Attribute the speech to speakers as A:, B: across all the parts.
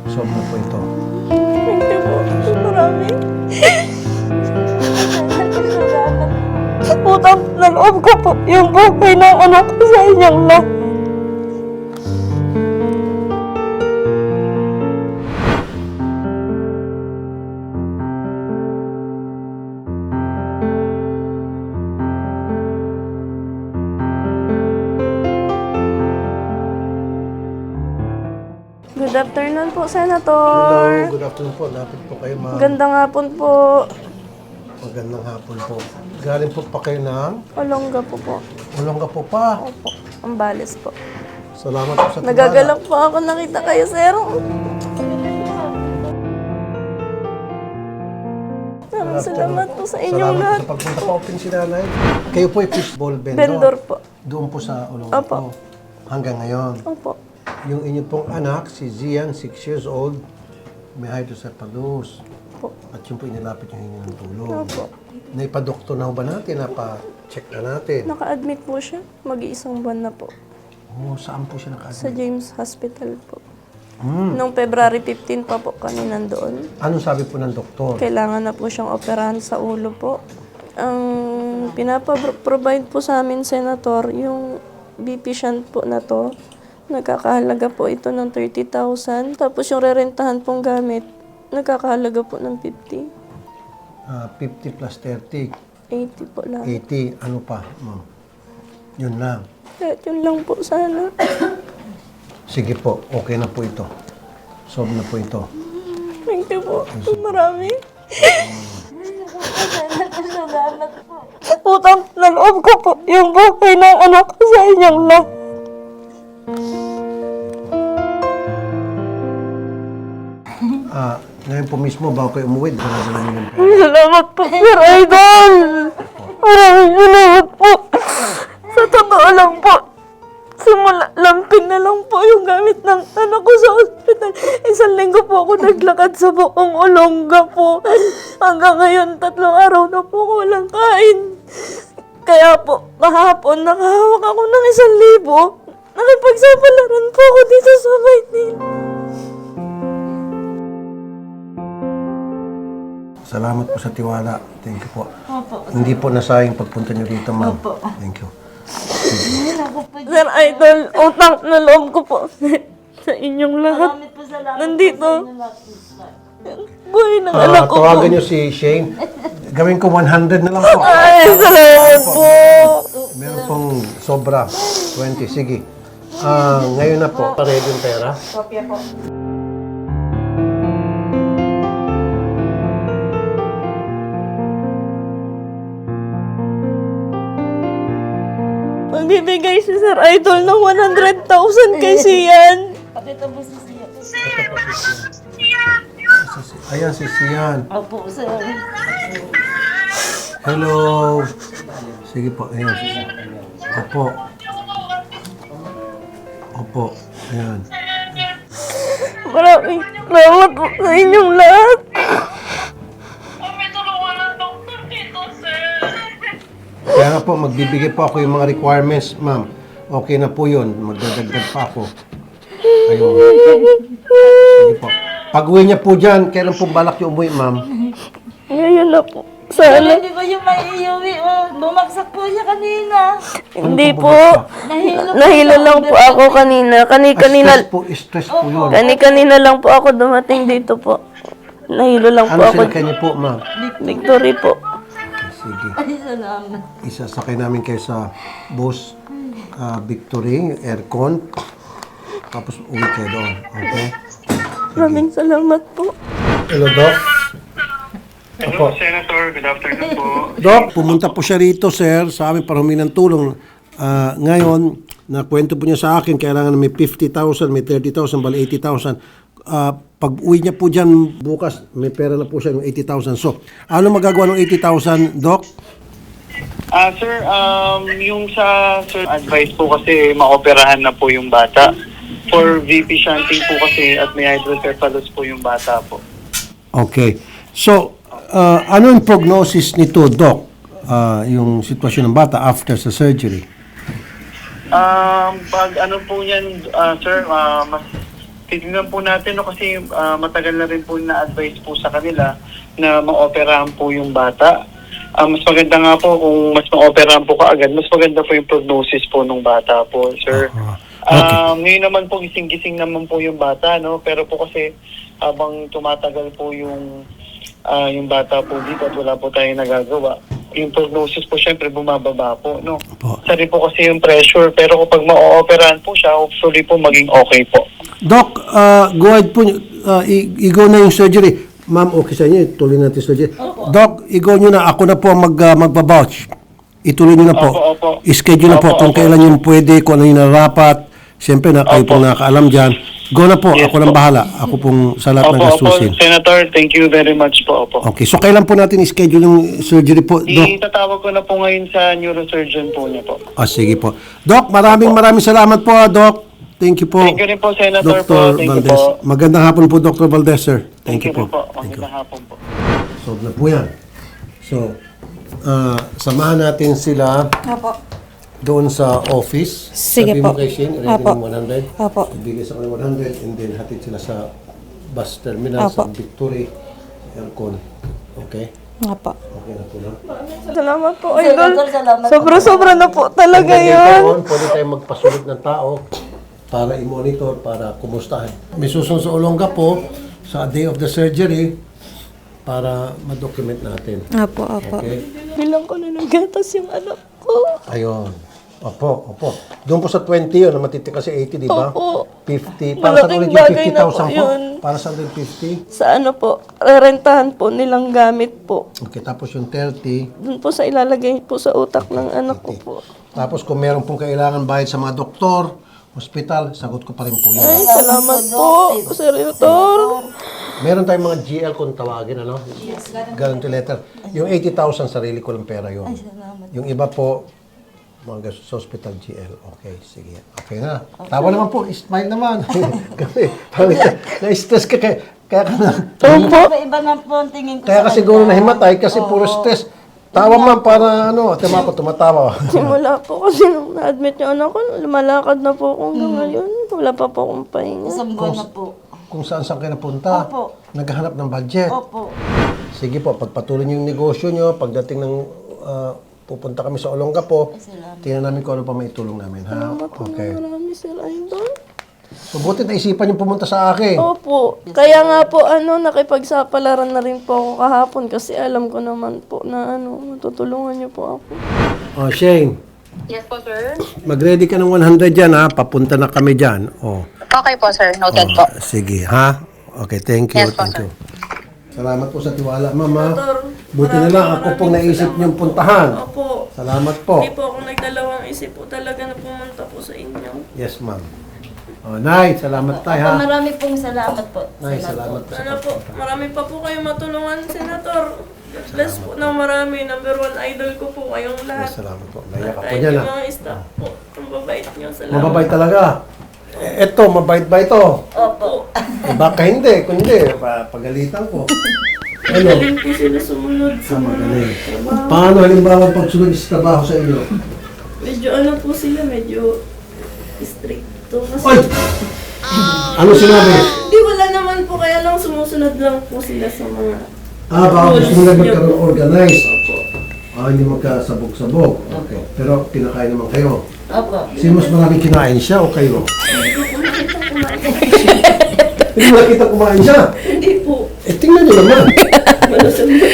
A: Solve na po ito.
B: Thank you po. Marami. Utang na loob ko po yung buhay ng anak ko sa inyong lahat. Good afternoon po, Senator.
A: Hello, good afternoon po. Lapit po kayo, ma'am.
B: Gandang hapon po.
A: Magandang hapon po. Galing po pa kayo ng
B: Olongga po po.
A: Olongga po pa.
B: Opo, Ambales po.
A: Salamat po sa tiwala.
B: Nagagalak po ako nakita kayo, sir. Salamat po sa inyong
A: Salamat
B: lahat.
A: po sa pagpunta po. Open si nanay. Kayo po ay fishball vendor.
B: Vendor po.
A: Doon po sa Olongga
B: Opo.
A: po. Hanggang ngayon.
B: Opo.
A: Yung inyo pong anak, si Zian, 6 years old, may hydrocephalus.
B: Opo.
A: At yun po inilapit yung hingi ng tulong.
B: Opo.
A: Naipa-doktor na ho ba natin? Napa-check na natin?
B: Naka-admit po siya. Mag-iisang buwan na po.
A: Oh, saan po siya
B: Sa
A: naka-admit?
B: James Hospital po. Noong February 15 pa po kami nandoon.
A: Anong sabi po ng doktor?
B: Kailangan na po siyang operahan sa ulo po. Ang pinapaprovide po sa amin, Senator, yung BP shunt po na to, nagkakahalaga po ito ng 30,000. Tapos yung rerentahan pong gamit, nagkakahalaga po ng 50.
A: 50 plus 30,
B: 80 po lang.
A: 80. Ano pa, ma'am? Yun lang.
B: Kahit yun lang po sana.
A: Sige po, okay na po ito. Solve na po ito.
B: Thank you po. Marami. Utang na loob ko po yung buhay ng anak ko sa inyong lahat.
A: Ngayon po mismo, bago kayo umuwi, dala-dala niyo ng pera.
B: Salamat po, Sir Idol! Maraming salamat po. Sa totoo lang po, simula, lamping na lang po yung gamit ng anak ko sa ospital. 1 linggo po ako naglakad sa buong Olongga po. Hanggang ngayon, 3 araw na po ako walang kain. Kaya po, kahapon, nakahawak ako ng 1,000. Nakipagsapalaran po ako dito sa Maynila.
A: Salamat po sa tiwala. Thank you po.
C: Opo.
A: Hindi po nasayang pagpunta niyo dito, ma'am.
C: Opo.
A: Thank you.
B: Sir Idol, utang na loob ko po sa inyong lahat.
C: Marami po salamat
B: Nandito.
C: po sa inyo lahat.
B: Buhay ng anak ko po.
A: Tawagan niyo si Shane. Gawin ko 100 na lang po.
B: Ay, salamat po.
A: Meron pong sobra. 20. Sige. Ngayon na po. Ready yung pera.
C: Kopya po.
B: Magbibigay si Sir Idol ng 100,000 kay Sian.
C: Pakita mo sa siya.
A: Ayan si Sian.
C: Opo, sir.
A: Hello. Sige po. Ayan. Opo. Opo. Ayan.
B: Maraming salamat po sa inyong lahat.
A: Kaya nga po, magbibigay po ako yung mga requirements, ma'am. Okay na po yun. Magdadagdag pa ako. Ayun. Sige po. Pag-uwi niya po dyan, kailan po balak yung umuwi, ma'am?
B: Ngayon na po. Sana.
C: Hindi ko yung may iuwi. Bumagsak po siya kanina.
B: Hindi po.
C: Nahilo
B: Nahilo lang po ako kanina. Kanina
A: Stress po yun.
B: kanina lang po ako dumating dito po. Nahilo lang po
A: Ano
B: ako.
A: sinakay niyo po, ma'am?
B: Victory po.
A: Sige.
C: Ay, salamat.
A: Isasakay namin kayo sa bus Victory, aircon. Tapos uwi kayo doon. Okay?
B: Maraming salamat po.
A: Hello, Doc.
D: Hello, Senator. Good afternoon po.
A: Doc, pumunta po siya rito, sir, sa amin para humingi ng tulong. Ngayon, nakwento po niya sa akin, kailangan may 50,000, may 30,000, bali 80,000. Pag uwi niya po dyan bukas, may pera na po siya ng 80,000. So, ano magagawa ng 80,000, Doc?
D: Sir, yung sa advice po kasi maoperahan na po yung bata. For VP shunting po kasi at may hydrocephalus po yung bata po.
A: Okay. So, ano yung prognosis nito, Doc? Yung sitwasyon ng bata after sa surgery?
D: Pag ano po yan, sir, mas titignan po natin, no, kasi matagal na rin po na-advise po sa kanila na ma-operahan po yung bata. Mas maganda nga po kung mas ma-operahan po kaagad, mas maganda po yung prognosis po ng bata po, sir. Ngayon naman po, gising-gising naman po yung bata, no? Pero po kasi habang tumatagal po yung bata po dito at wala po tayong nagagawa, yung prognosis po syempre bumababa po, no? Sari po kasi yung pressure, pero kapag ma-operahan po siya, hopefully po maging okay po.
A: Doc, go ahead po, i-go na yung surgery. Ma'am, okay sa inyo, ituloy natin surgery. Doc, i-go nyo na, ako na po ang magbabouch. Ituloy nyo na po.
D: Opo.
A: I-schedule na po kung kailan yun pwede, kung ano yung narapat. Siyempre, kayo pong nakakaalam dyan. Go na po, ako nang bahala. Ako pong sa lahat ng gastusin.
D: Senator, thank you very much po. Opo.
A: Okay, so kailan po natin i-schedule yung surgery po, Doc?
D: Itatawag ko na po ngayon sa neurosurgeon po niya po.
A: Sige po. Doc, maraming salamat po, Doc. Thank you po.
D: Thank you rin po, Senator
A: Dr.
D: po. Thank you
A: Valdez.
D: po.
A: Magandang hapon po, Dr. Valdez, sir.
D: Thank you
A: po.
D: rin po.
A: Thank you.
D: Magandang hapon po.
A: Solve na po yan. So, samahan natin sila doon sa office.
B: Sige
A: Sabi
B: po.
A: mo kay Shane, ready
B: Opo.
A: ng 100.
B: Opo.
A: Ibigay sa kanila 100 and then hatid sila sa bus terminal sa
B: Opo.
A: Victory Aircon. Okay?
B: Nga po.
A: Okay na po na.
B: Salamat po, Idol.
C: Senator, salamat po.
B: Sobra-sobra na po talaga
A: And then
B: yun.
A: later on, pwede tayong magpasulit ng tao para i-monitor, para kumustahan. May susunod sa Olonga po sa day of the surgery para ma-document natin.
B: Apo.
A: Okay?
B: Bilang ko na ng gatas yung anak ko.
A: Ayun. Opo. Doon po sa 20 yun, na matitira kasi 80, di ba?
B: Opo.
A: 50. Para saan
B: Malaking
A: ulit yung
B: bagay na po
A: 50,000 po?
B: yun.
A: Para saan ulit 50?
B: Sa ano po, rerentahan po nilang gamit po.
A: Okay, tapos yung 30.
B: Doon po sa ilalagay po sa utak ng anak ko po.
A: Tapos kung meron pong kailangan bayad sa mga doktor, hospital, sagot ko pa rin po yun.
B: Ay, salamat po, Senator.
A: Meron tayong mga GL kung tawagin, ano? Guarantee letter. Yung 80,000, sarili ko lang pera yun. Yung iba po, mga gastos sa hospital GL. Okay, sige. Okay na. Tawa naman po, smile naman. Kasi, na-stress ka, kaya ka na.
C: Iba nga po ang tingin ko
A: Kaya
C: sa
A: ka siguro nahimatay kasi puro stress. Tawa man para ano, tema ko tumatawa.
B: Simula po kasi nung na-admit yung anak ko, lumalakad na po ako hanggang ngayon. Wala pa po akong pahinga.
C: Isang buwan na po.
A: Kung saan kayo napunta.
C: Opo.
A: Naghahanap ng budget.
C: Opo.
A: Sige po, pagpatuloy niyo yung negosyo nyo, pagdating ng pupunta kami sa Olonga po, tingnan namin kung ano pa maitulong namin, ha? Okay.
B: Marami sila, Idol.
A: So, buti naisipan yung pumunta sa akin.
B: Opo. Kaya nga po, nakipagsapalaran na rin po ako kahapon kasi alam ko naman po na matutulungan niyo po ako.
A: Oh, Shane.
E: Yes po, sir.
A: Mag-ready ka ng 100 dyan, ha? Papunta na kami dyan. Oh.
E: Okay po, sir. Noted po.
A: Sige, ha? Okay, thank you,
E: Yes po,
A: thank
E: sir.
A: you. Salamat po sa tiwala, Mama. Buti na lang ako pong naisip niyong puntahan.
B: Opo.
A: Salamat po.
B: Hindi po ako nagdalawang isip po talaga na pumunta po sa inyo.
A: Yes, ma'am. Oh, Nay, salamat tayo, ha?
C: Marami pong salamat po.
A: Nay, salamat po.
B: Sana po, marami pa po kayong matulungan, Senator. God bless po ng marami. Number 1 idol ko po kayong lahat.
A: Salamat po. Naiyak ako
B: Kahit
A: dyan,
B: yung
A: ha?
B: mga staff po. Ang babait niyo. Salamat.
A: Mababait talaga. Eto, mabait ba ito?
C: Opo.
A: Baka hindi. Kung hindi, pagalitan ko. Ano?
B: Galing po sila sumunod sa mga
A: Magaling.
B: trabaho.
A: Paano halimbawa pagsunod sa trabaho sa inyo?
B: Medyo po sila, medyo stricto. Kasi,
A: Oy! Ano sinabi?
B: Di wala naman po, kaya lang sumusunod lang po sila sa mga
A: Baka gusto mo lang magkaroon organized.
B: Opo.
A: Hindi magkasabog-sabog. Okay. Pero kinakain naman kayo.
C: Opo.
A: Sino mas maraming kinain siya o kayo?
B: Hindi ko po nakita kumain.
A: Hindi mo nakita kumain siya.
B: Hindi po.
A: Tingnan niyo naman.
B: Malusog na.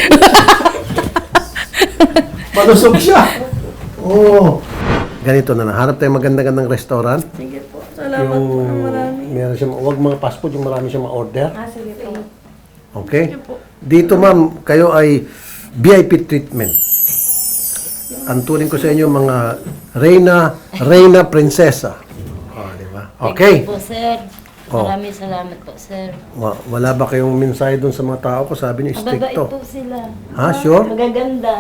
A: Malusog siya. Oo. Ganito na lang. Hanap tayong maganda-gandang restaurant.
B: Sige po. Salamat po ng marami.
A: Meron siya, huwag mga fast food, yung marami siya ma-order.
B: Sige po.
A: Okay?
B: Sige po.
A: Dito ma'am, kayo ay VIP treatment. Ang turing ko sa inyo mga Reyna Prinsesa. Oh, di ba? Okay.
C: Po, sir.
A: Oh.
C: Maraming salamat po, sir.
A: Wala ba kayong mensahe doon sa mga tao ko? Sabi niyo,
C: Mababait
A: stricto.
C: po sila.
A: Ha? Sure?
C: Magaganda.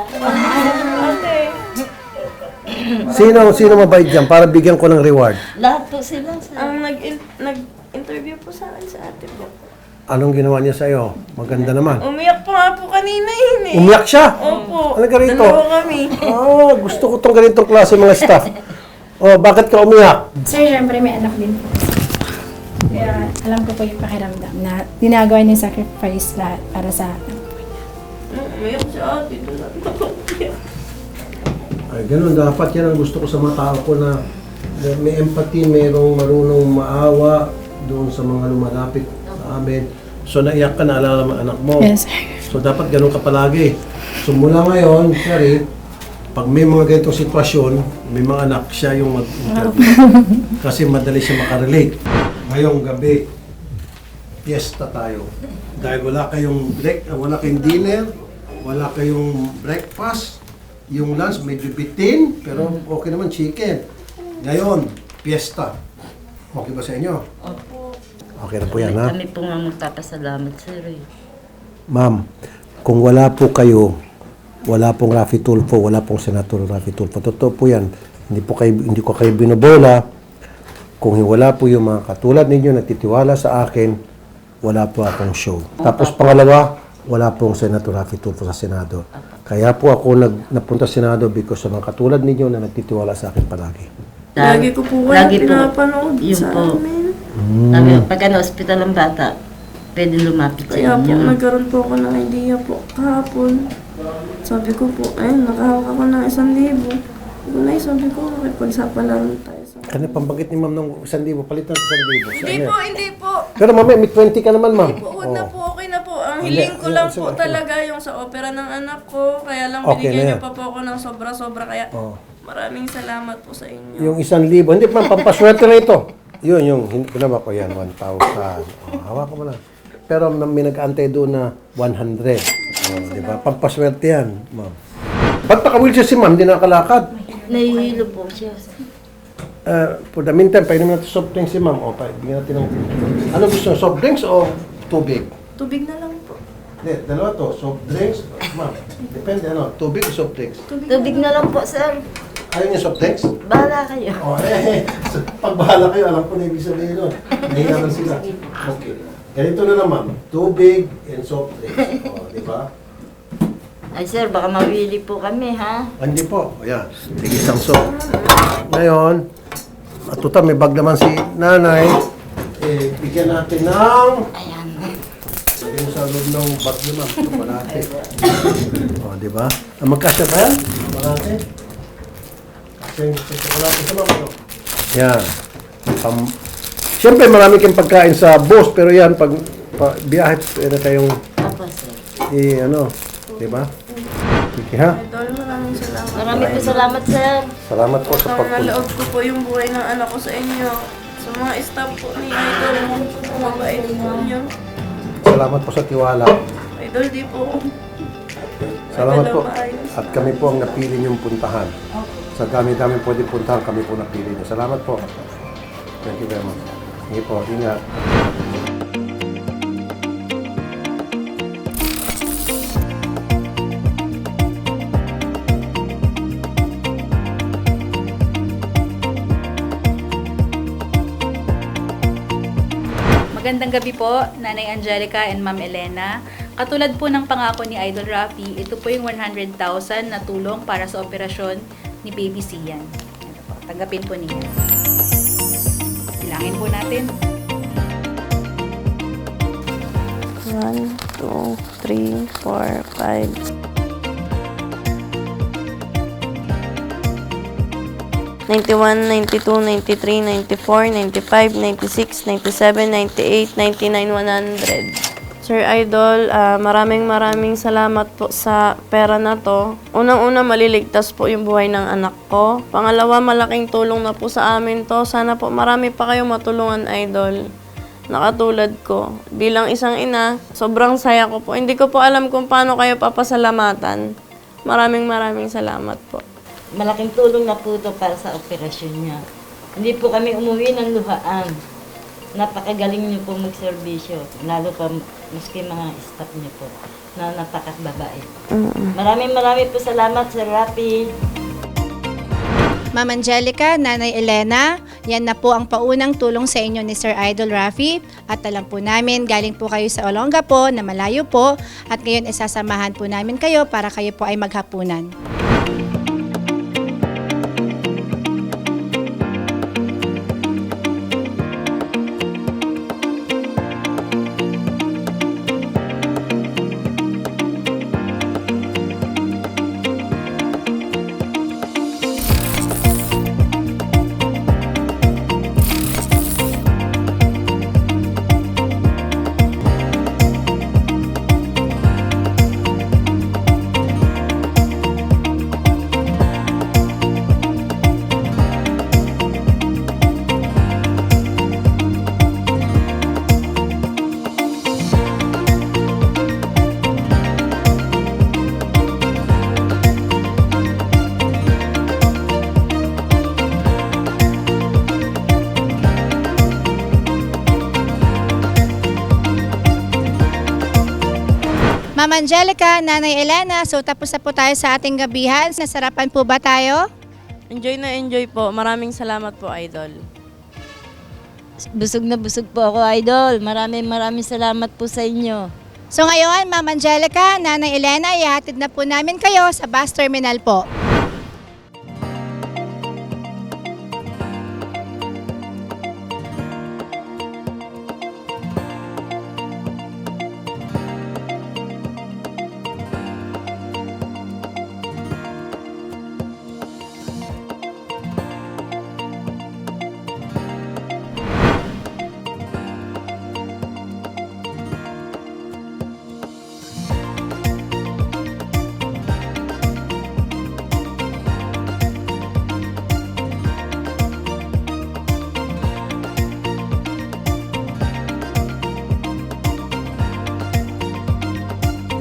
A: Sino mabait dyan para bigyan ko ng reward?
C: Lahat po sila, sir.
B: Ang nag-interview po sa akin sa ate po.
A: Anong ginawa niya sa iyo? Maganda naman.
B: Umiyak po nga po kanina yun eh.
A: Umiyak siya?
B: Opo.
A: Ano ka rito?
B: Dalawa kami.
A: Gusto ko tong ganitong klase mga staff. Oh, bakit ka umiyak?
F: Sir, syempre may anak din po. Kaya alam ko po yung pakiramdam na ginagawa niya yung sacrifice lahat para sa anak po niya.
B: Umiyak si ate.
A: Ay, ganun. Dapat yan ang gusto ko sa mga tao ko na may empathy, mayroong marunong maawa doon sa mga lumalapit sa amin. So, naiyak ka, naalala mo ang anak mo.
F: Yes, sir.
A: So, dapat ganun ka palagi. So, mula ngayon, Sherry, pag may mga ganitong sitwasyon, may mga anak, siya yung mag-interview. Kasi madali siya makarelate. Ngayong gabi, fiesta tayo. Dahil wala kayong wala kayong dinner, wala kayong breakfast, yung lunch medyo bitin, pero okay naman chicken. Ngayon, fiesta. Okay ba sa inyo?
C: Opo.
A: Okay na po yan, ha?
C: Kami po nga magpapasalamat, sir.
A: Ma'am, kung wala po kayo, wala pong Raffy Tulfo, wala pong Senator Raffy Tulfo. Totoo po yan. Hindi ko kayo binobola. Kung wala po yung mga katulad ninyo nagtitiwala sa akin, wala po akong show. Tapos pangalawa, wala pong Senator Raffy Tulfo sa Senado. Kaya po ako napunta sa Senado because sa mga katulad ninyo na nagtitiwala sa akin palagi.
B: Lagi ko po kayo pinapanood
C: yun
B: sa
C: po.
B: amin.
C: Sabi, pagka na-hospital ang bata, pwede lumapit sa
B: Kaya po,
C: inyo.
B: nagkaroon po ako ng idea po kahapon. Sabi ko po, ayun, nakahawak ako ng 1,000. Gunay, sabi ko, makipagsapalan tayo sa...
A: Kanya pambanggit ni ma'am ng 1,000, palitan sa 1,000.
B: Hindi po.
A: Pero mamaya, may 20 ka naman, ma'am.
B: Huwag na po, okay na po. Ang
A: Hindi,
B: hiling ko lang
A: sige,
B: po
A: sige.
B: talaga yung sa opera ng anak ko. Kaya lang
A: Okay na
B: binigyan niyo
A: yan.
B: pa po ako ng sobra-sobra. Kaya
A: Oh.
B: maraming salamat po sa inyo.
A: Yung 1,000, hindi ma'am, pampaswerte na ito. Yun, yung, pinaba ko yan, 1,000. Hawak ko mo na. Pero may nag-antay doon na 100. Di ba? Pampaswerte yan, ma'am. Ba't naka-wheelchair si ma'am? Hindi nakalakad.
C: Nahihilo po siya.
A: For the meantime, painom natin soft drinks si ma'am. O, bigyan natin ng... Ano gusto nyo? Soft drinks o tubig?
B: Tubig na lang po.
A: Hindi, dalawa to. Soft drinks, ma'am. Depende, ano? Tubig o soft drinks?
C: Tubig na lang po, sir.
A: Ayaw niyo soft drinks?
C: Bahala kayo.
A: O, pag bahala kayo, alam ko na ibig sabihin nun. Nahinga lang sila. Okay. Ganito na lang, ma'am. Tubig and soft drinks. O, di ba?
C: Ay, sir, baka mawili po kami, ha?
A: Hindi po. Ayan. Sige, isang soft. Ngayon, matuta, may bag naman si nanay. Bigyan natin ng...
C: Ayan.
A: Yung sa loob ng bag niyo, ma'am. Chocolate. O, di ba? Magkasya ba yan? Chocolate? Kasi chocolate sa ma'am. Ano? Yan. Siyempre, marami kayong pagkain sa boss, pero yan, pag biyahe, pwede kayong
C: Opo, sir.
A: ano, di ba? Sige ha?
B: Idol, maraming salamat.
C: Maraming po salamat, sir.
A: Salamat po sa pagpunta.
B: Naloob ko po yung buhay ng anak ko sa inyo. Sa mga staff po ni Idol, mabait po niyo.
A: Salamat po sa tiwala.
B: Idol, di po.
A: Salamat po.
B: Maayos.
A: At kami po ang napili niyong puntahan. Sa dami-dami pwede puntahan, kami po napili niyo. Salamat po. Thank you very much. Sige po, ingat.
G: Magandang gabi po, Nanay Angelica and Ma'am Elena. Katulad po ng pangako ni Idol Raffy, ito po yung 100,000 na tulong para sa operasyon ni Baby Sian. Ito po, tanggapin po ninyo. Bilangin po natin.
B: 1, 2, 3, 4, 5. 91, 92, 93, 94, 95, 96, 97, 98, 99, 100. Sir Idol, maraming salamat po sa pera na to. Unang-una, maliligtas po yung buhay ng anak ko. Pangalawa, malaking tulong na po sa amin to. Sana po marami pa kayong matulungan, Idol. Nakatulad ko. Bilang isang ina, sobrang saya ko po. Hindi ko po alam kung paano kayo papasalamatan. Maraming salamat po.
C: Malaking tulong na po ito para sa operasyon niya. Hindi po kami umuwi ng luhaan. Napakagaling niyo po magserbisyo. Lalo pa maski mga staff niyo po na napakababait. Maraming po salamat, Sir Raffy.
H: Ma'am Angelica, Nanay Elena, yan na po ang paunang tulong sa inyo ni Sir Idol Raffy. At alam po namin, galing po kayo sa Olonga po, na malayo po. At ngayon, isasamahan po namin kayo para kayo po ay maghapunan. Ma'am Angelica, Nanay Elena, so tapos na po tayo sa ating gabihan. Nasarapan po ba tayo?
B: Enjoy na enjoy po. Maraming salamat po, Idol.
C: Busog na busog po ako, Idol. Maraming salamat po sa inyo.
H: So ngayon, Ma'am Angelica, Nanay Elena, ihatid na po namin kayo sa bus terminal po.